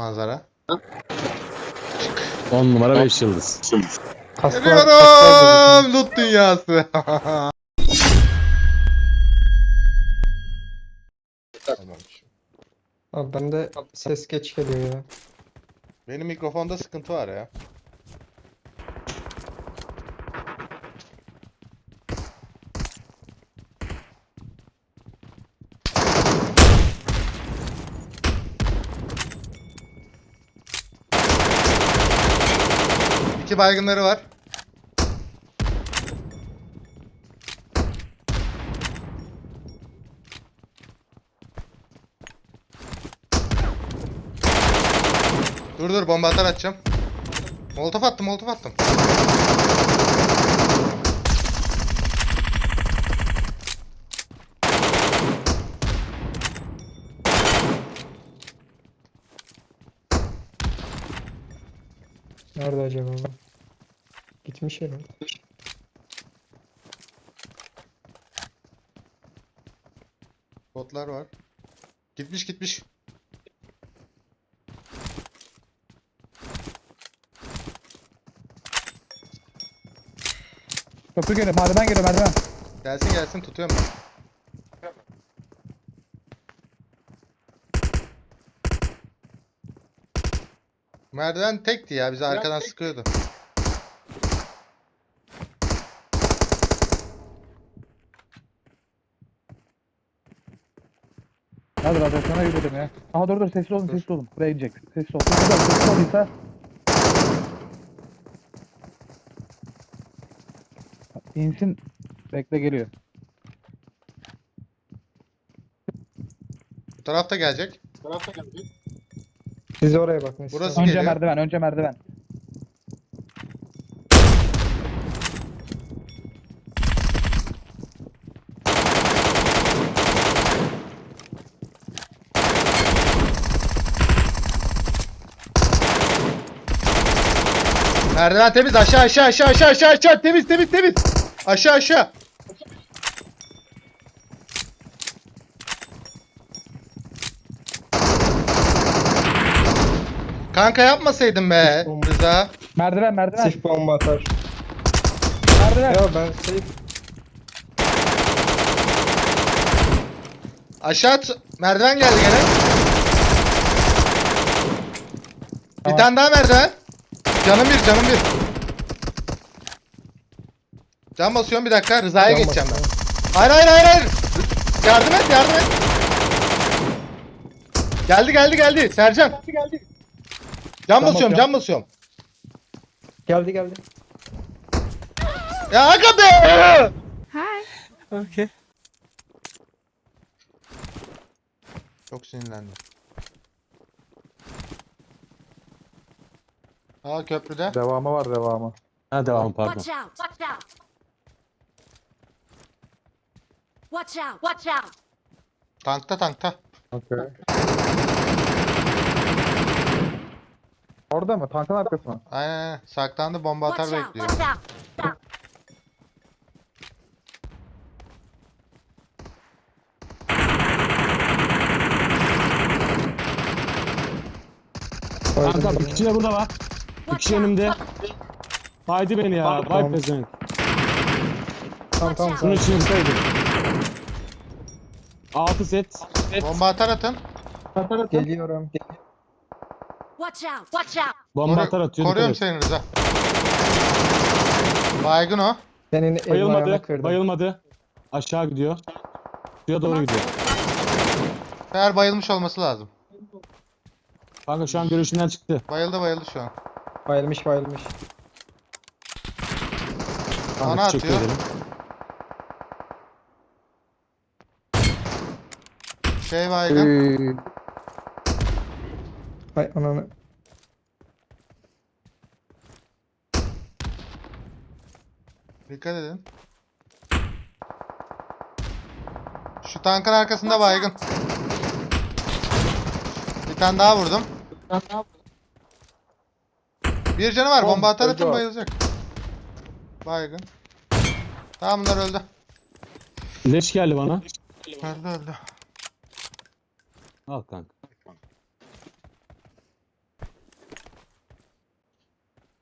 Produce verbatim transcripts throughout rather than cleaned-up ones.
manzara. on numara beş yıldız. Geliyorum loot dünyası. Tamam. Abi bende ses geç geliyor ya. Benim mikrofonda sıkıntı var ya. İki baygınları var. Dur dur bomba atar atacağım. Molotof attım molotof attım. Nerede acaba bu? Gitmiş herhalde. Botlar var. Gitmiş gitmiş. Köprü geliyor, merdiven geliyor, merdiven. Gelsin gelsin tutuyorum ben. Merdiven tekti ya bizi arkadan sıkıyordu. Hadi radyasyona gidelim ya. Aha dur dur, sessiz olun, sessiz olun. Buraya inecek, sessiz olun. Sessiz olun, sessiz olduysa. İnsin, bekle geliyor. Bu tarafta gelecek. Siz oraya bakın. siz Burası oraya. Önce geliyor. merdiven, önce merdiven. Merdiven temiz aşağı aşağı aşağı aşağı aşağı aşağı temiz temiz temiz. Aşağı aşağı. Kanka yapmasaydın be Rıza. Merdiven, merdiven, Sif bomba atar. merdiven. Ya ben safe. Aşağı at. Merdiven geldi gene. Bir Tamam. tane daha merdiven. Canım bir canım bir. Can basıyorum bir dakika. Rıza'ya Can geçeceğim ben. basıyorum. Hayır hayır hayır hayır. Yardım et yardım et. Geldi geldi geldi. Sercan. Geldi geldi. Can basıyorum basıyorum. can basıyorum. Geldi geldi. Ya aga be. Okay. Çok sinirlendim. Aa köprüde. Devamı var, devamı. Ha devam pardon. Watch out! Watch out! Watch out! Watch out! Tankta tankta. Okay. Orada mı? Tankın arkası mı? Aynen aynen. Saklandı bomba atar Watch out! bekliyor. Watch out! Kanka bir kişi de burada var. Bir Watch kişi out! önümde. Haydi beni ya. Vay Tamam. pezevenk. Tamam tamam. Şunun için yıksaydım. altı set. Bomba atar atın. Geliyorum. Watch out! Watch out! Bomba Koru- atar atıyor. Koruyorum dikkat et. seni Rıza. Baygın o. Senin elini ayağına Bayılmadı. kırdım. Bayılmadı. Aşağı gidiyor. Suya doğru gidiyor. Eğer bayılmış olması lazım. Kanka şu an görüşünden çıktı. Bayıldı bayıldı şu an. Bayılmış bayılmış. Kanka Bana teşekkür atıyor. ederim. Şey baygın. Hay ananı. Dikkat edin. Şu tankın arkasında baygın. Bir tane daha vurdum. Bir canı var. Bomba atar atın bayılacak. Baygın. Tamam bunlar öldü. Leş geldi bana. Öldü öldü. Al kanka.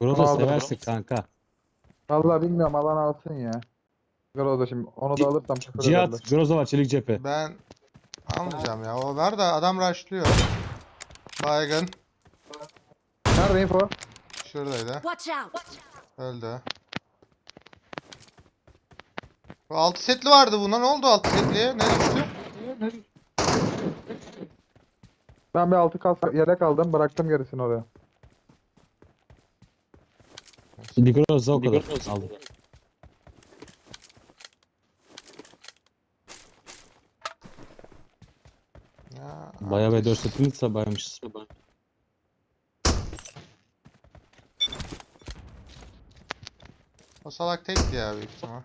Groza Aldım. seversin kanka. Vallahi bilmiyorum alan alsın ya. Groza şimdi onu da alırsam küfür ederler. Cihat, Groza var çelik cephe. Ben almayacağım ya. O ver de adam rushlıyor. Baygın. Nerede info? Şuradaydı. Watch out! Öldü. Bu altı setli vardı buna. Ne oldu altı setliye? Ne düştü? Ben bir altı kas yelek aldım bıraktım gerisini oraya. Bir Groza o kadar aldım. Ya, Bayağı ve ateş. dört setini baymışız. O salak tekti ya büyük ihtimal.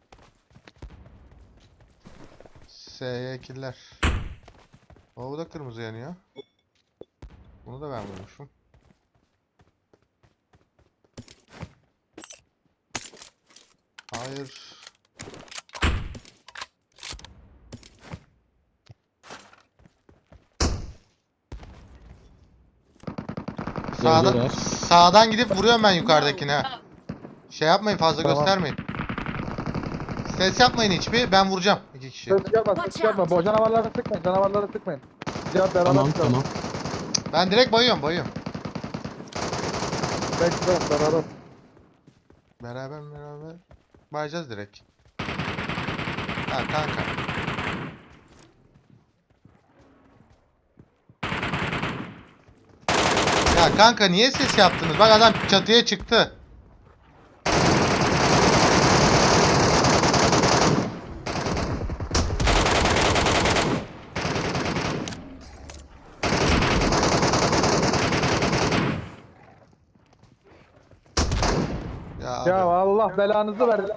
S'ye killer. O bu da kırmızı yanıyor. Bunu da ben vurmuşum. Hayır. Sağdan, Gölgeler. sağdan gidip vuruyorum ben yukarıdakine. Şey yapmayın fazla Tamam. göstermeyin. Ses yapmayın hiçbir. Ben vuracağım iki kişi. Ses yapma Watch ses yapma. out. Bu canavarları sıkmayın canavarları sıkmayın. Cihat beraber Tamam çıkalım. tamam. Ben direkt bayıyorum bayıyorum. Bekle beraber. Beraber beraber bayacağız direkt. Ha kanka. Ya kanka niye ses yaptınız? Bak adam çatıya çıktı. Ya, abi. Ya Allah belanızı versin.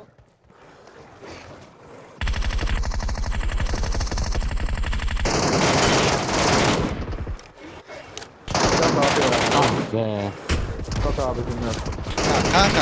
Cihat abi ya. Ah be. Cihat abi dinliyorum. Ya kanka.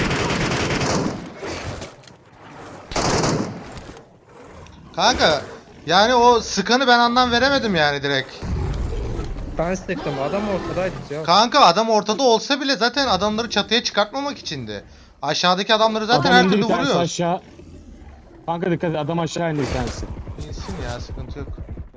Kanka yani o sıkanı ben anlam veremedim yani direkt. Ben sıktım. Adam ortadaydı ya. Kanka adam ortada olsa bile zaten adamları çatıya çıkartmamak içindi. Aşağıdaki adamları zaten Adam her indi türlü bir tanesi vuruyor. aşağı. Kanka dikkat et adam aşağı indi bir tanesi. İnsin ya sıkıntı yok.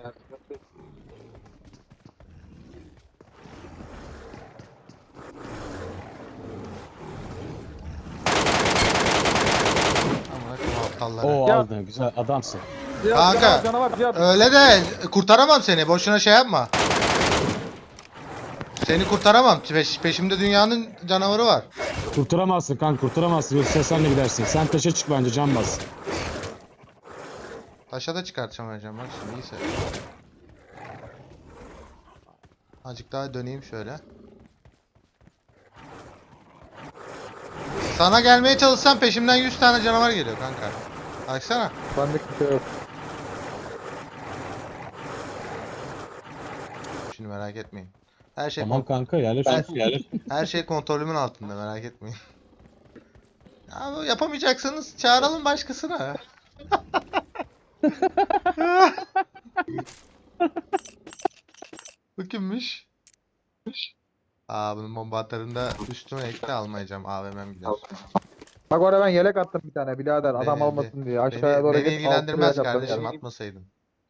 Amına koyayım aptalları. Oo Ya- aldın güzel adamsın. Cihat Kanka. canavar canavar Cihat. Öyle de kurtaramam seni. Boşuna şey yapma. Seni kurtaramam. Peş- peşimde dünyanın canavarı var. Kurtaramazsın kanka kurtaramazsın yoksa senle gidersin. Sen taşa çık bence can bas. Taşa da çıkartamayacağım bak şimdi iyiyse. Azıcık daha döneyim şöyle. Sana gelmeye çalışsam peşimden yüz tane canavar geliyor kanka. Baksana. Bende kimse yok. Şimdi merak etmeyin. Her şey Tamam kon- kanka yerleş Ben- yerleş. her şey kontrolümün altında merak etmeyin. Ya bu yapamayacaksanız çağıralım başkasına. Bu kimmiş? Aa bunun bomba atarında üstüme ekle almayacağım. A V M'm gider. Bak oraya ben yelek attım bir tane birader adam Beni- olmasın diye. Aşağıya Beni, doğru beni git. ilgilendirmez altı yelek attım kardeşim yani. atmasaydın.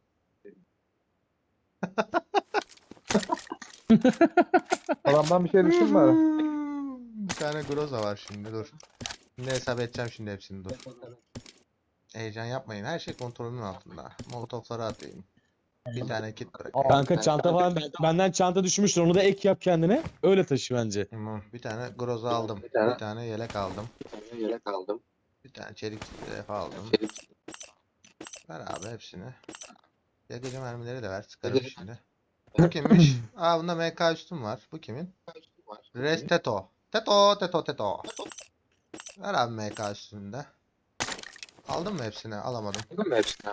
Adamdan bir şey düştün mü ara? Bir tane Groza var şimdi dur. Şimdi hesap edeceğim şimdi hepsini dur. Heyecan yapmayın. Her şey kontrolümün altında. Molotofları atayım. Bir tane kit bırakayım. Kanka çanta falan benden çanta düşmüştür onu da ek yap kendine. Öyle taşı bence. Tamam. Bir tane Groza aldım. Bir tane yelek aldım. Yelek aldım. Bir tane çelik zırh aldım. Ver abi hepsini. Yakıcı mermileri de ver. Sıkarım şimdi. Bu kimmiş? Aa bunda M K üstüm var. Bu kimin? Res Teto. Teto, Teto, Teto. Ver abi M K üstünde. Aldın mı hepsini? Alamadım. Aldın mı hepsini?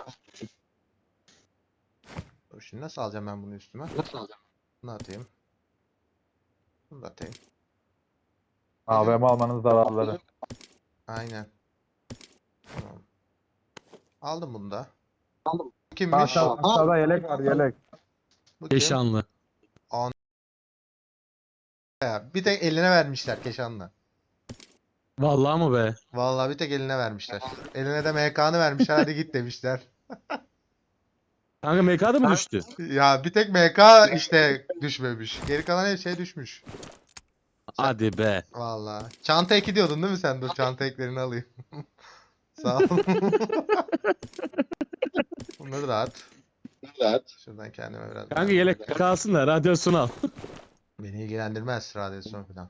Dur şimdi nasıl alacağım ben bunu üstüme? Nasıl alacağım? Bunu atayım. Bunu da atayım. A V M almanın zararları. Aynen. Tamam. Aldım bunu da. Aldım. Bu kimmiş? Aşağı, aşağıda yelek var yelek. Bu kim? Keşanlı. Ya, bir tek eline vermişler Keşan'la. Vallahi mı be? Vallahi bir tek eline vermişler. Eline de M K'nı vermişler, hadi git demişler. Kanka M K'da mı düştü? Ya bir tek M K işte düşmemiş. Geri kalan her şey düşmüş. Hadi be. Vallahi. Çanta eki diyordun değil mi sen? Dur çanta eklerini alayım. Sağ ol. Bunları da at. Şuradan kendime biraz Kanka daha- yelek kalsın da radyasyon al. Beni ilgilendirmez radyasyon falan.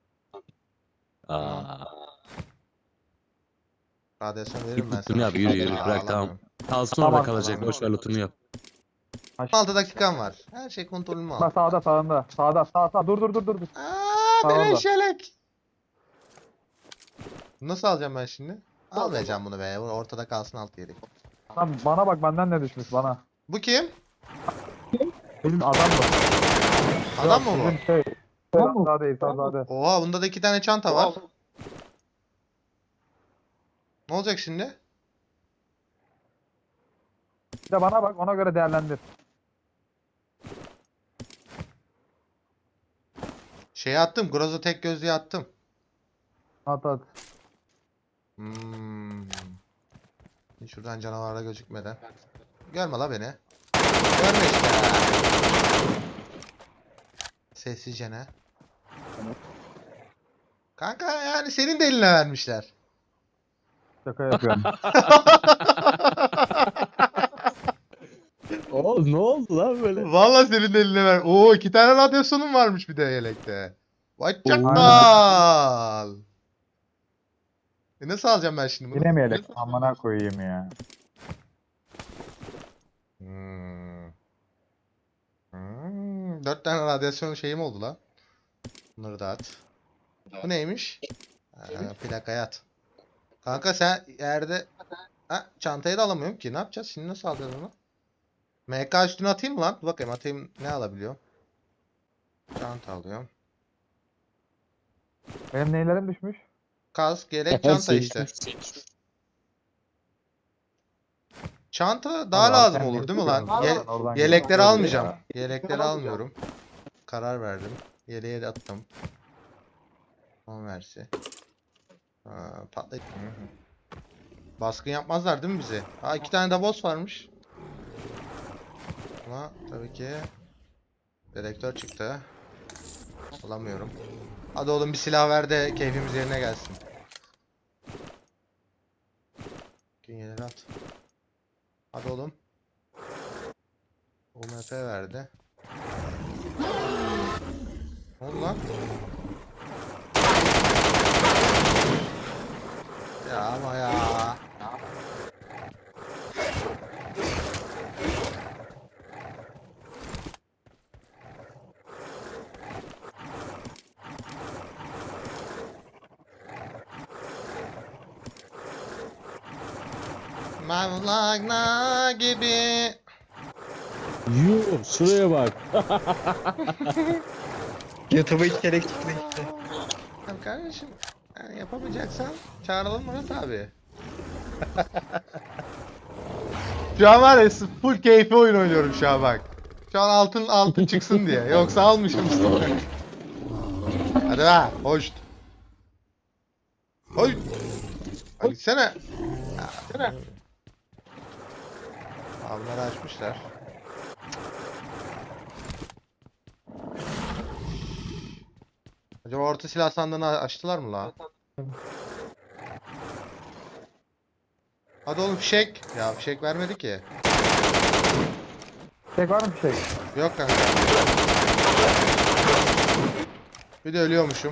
Aa. Radyasyon veririm ben Lootunu sana. yap, yürü yürü, Aa, bırak, tamam. alamıyorum. Kalsın orada Tamam, kalacak. tamam. Boş ver lootunu yap. on altı dakikam var. Her şey kontrolümü Bak al. sağda sağında. Sağda sağ sağ. Dur dur dur dur. dur. Aaa Sağ orada. beleş yelek. Nasıl alacağım ben şimdi? Almayacağım bunu be. Bu ortada kalsın alt yeri. Lan bana bak benden ne düşmüş bana. Bu kim? Benim adam bu. Adam mı Yok, bu? bizim şey. Sağda değil sağda. Oha bunda da iki tane çanta var. Ne olacak şimdi? Bir de bana bak ona göre değerlendir. Şeye attım. Groza tek gözlüğe attım. At at. Hmm. Şuradan canavarla gözükmeden. Görme la beni. Görme işte. Sessizce ne? Kanka yani senin de eline vermişler. Şaka yapıyorum. Oğlum ne oldu lan böyle? Vallahi senin de eline ver. Oo iki tane radyasyonun varmış bir de yelekte. Vay Oo. çakal. E nasıl alacağım ben şimdi bunu? Yine mi yelek? Amına koyayım ya. Hmm. Hmm. Dört tane radyasyon şeyim oldu lan. Bunları da at. Bu neymiş? Ha, plakaya at. Kanka sen yerde... Ha, çantayı da alamıyorum ki. Ne yapacağız? Şimdi nasıl alacağız onu? M K üstüne atayım mı lan? Dur bakayım atayım. Ne alabiliyorum? Çanta alıyorum. Benim neylerim düşmüş? Kask, yelek, Her çanta şey- işte. Çanta daha Allah, lazım sen olur ne değil mi lan? diyorsun? Ye- Oradan yelekleri gidiyorum. almayacağım. Yelekleri almıyorum. Karar verdim. Yeleğe de attım. Son versi. Ha, patlayıp. Hı hı. Baskın yapmazlar değil mi bize? Ha iki tane de boss varmış. Ama tabii ki dedektör çıktı. Alamıyorum. Hadi oğlum bir silah ver de keyfimiz yerine gelsin. Dünyeleri at. Hadi oğlum. U M P verdi. Ne oldu lan? Ya ama ya. Mevlana gibi. Yuh şuraya bak. YouTube'a hiç gerek çıktı işte. Ya kardeşim yani yapamayacaksan çağıralım Murat abi. Şu an var ya full keyfi oyun oynuyorum şu an bak. Şu an altın altın çıksın diye. Yoksa almışım sana. Hadi be hoş. Hoş. Hadi gitsene. Ya, gitsene. Avları açmışlar. Acaba orta silah sandığını açtılar mı la? Hadi oğlum fişek. Ya fişek vermedi ki. Tek var mı bir şey? Yok kanka. Bir de ölüyormuşum.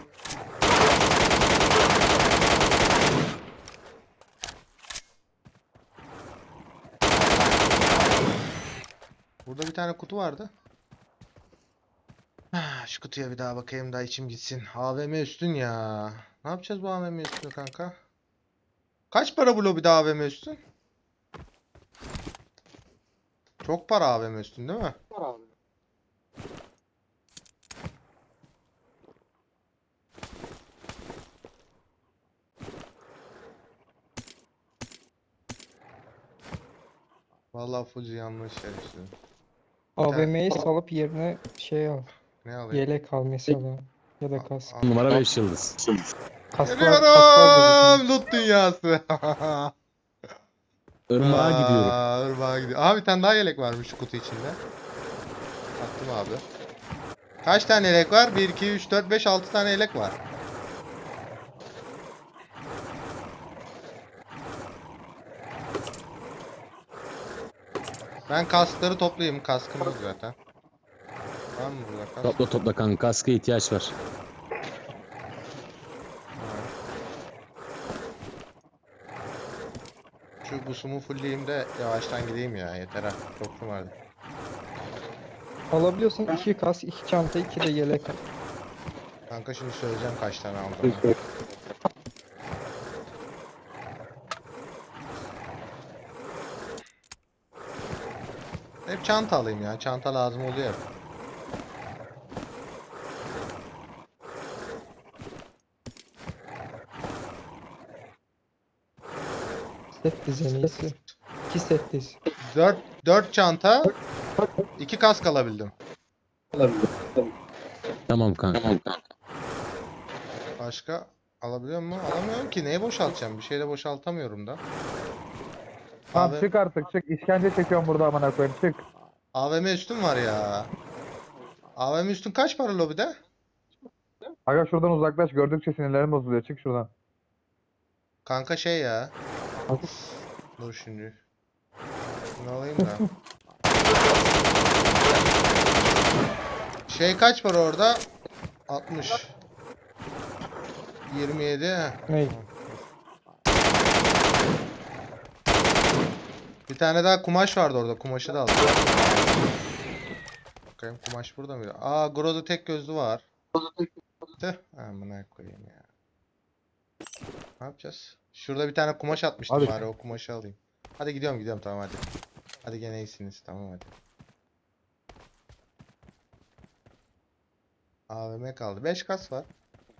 Burada bir tane kutu vardı. Ah, şu kutuya bir daha bakayım da içim gitsin. A V M üstün ya. Ne yapacağız bu A V M üstünü kanka? Kaç para bu lobide A V M üstün? Çok para A V M üstün değil mi? Vallahi full yanlış şerefsiz. A V M'yi salıp yerine şey al. Ne alayım? Yelek al mesela. Ya da kask. Al- Numara beş yıldız. Kask var, kask var Geliyorum. Loot dünyası. Irmağa gidiyorum. Aa, Irmağa gidiyor. Aha bir tane daha yelek varmış şu kutu içinde. Attım abi. Kaç tane yelek var? bir, iki, üç, dört, beş, altı tane yelek var. Ben kaskları toplayayım. Kaskım yok zaten. Var mı burada kask? Topla topla kanka. Kaska ihtiyaç var. Şu busumu fullleyeyim de yavaştan gideyim ya. Yeter ha. Çok mu vardı? Alabiliyorsan iki kask, iki çanta, iki de yelek al. Kanka şimdi söyleyeceğim kaç tane aldım. Hep çanta alayım ya. Çanta lazım oluyor hep. Set diz en iyisi. İki set diz. dört dört çanta, iki kask alabildim. Tamam kanka. Başka alabiliyor mu? Alamıyorum ki. Neye boşaltacağım? Bir şeyle boşaltamıyorum da. Tamam Abi- çık artık çık. İşkence çekiyorum burada amına koyayım çık. A V M üstüm var ya. A V M üstün kaç para lobide? Aga şuradan uzaklaş gördükçe sinirlerim bozuluyor çık şuradan. Kanka şey ya. Dur şimdi. Şunu alayım da. Şey kaç para orada? altmış. yirmi yedi. heh. Ney? Bir tane daha kumaş vardı orada. Kumaşı da aldım. Bakayım kumaş burada mıydı? Aa Groza tek gözlü var. Tüh. Amına koyayım ya. Ne yapacağız? Şurada bir tane kumaş atmıştım Hadi. bari o kumaşı alayım. Hadi gidiyorum gidiyorum tamam hadi. Hadi gene iyisiniz tamam hadi. A V M kaldı. beş kas var.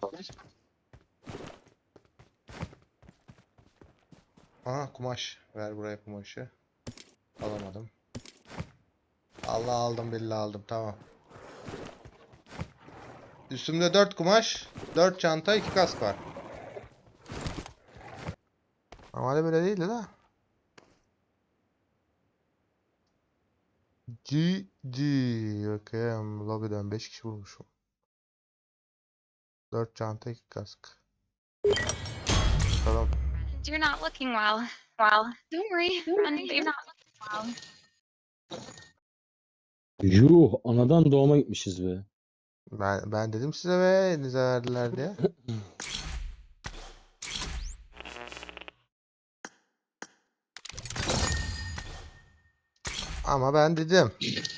Aha kumaş. Ver buraya kumaşı. Alamadım. Allah aldım billahi aldım tamam. Üstümde dört kumaş, dört çanta, iki kask var. Normalde böyle değildi de. G G. Bakayım lobiden beş kişi vurmuşum. dört çanta, iki kask. Tamam. You're not looking well. Well, don't worry. And they're not looking well. Yuh anadan doğuma gitmişiz be. Ben ben dedim size ve elinize verdiler diye. Ama ben dedim.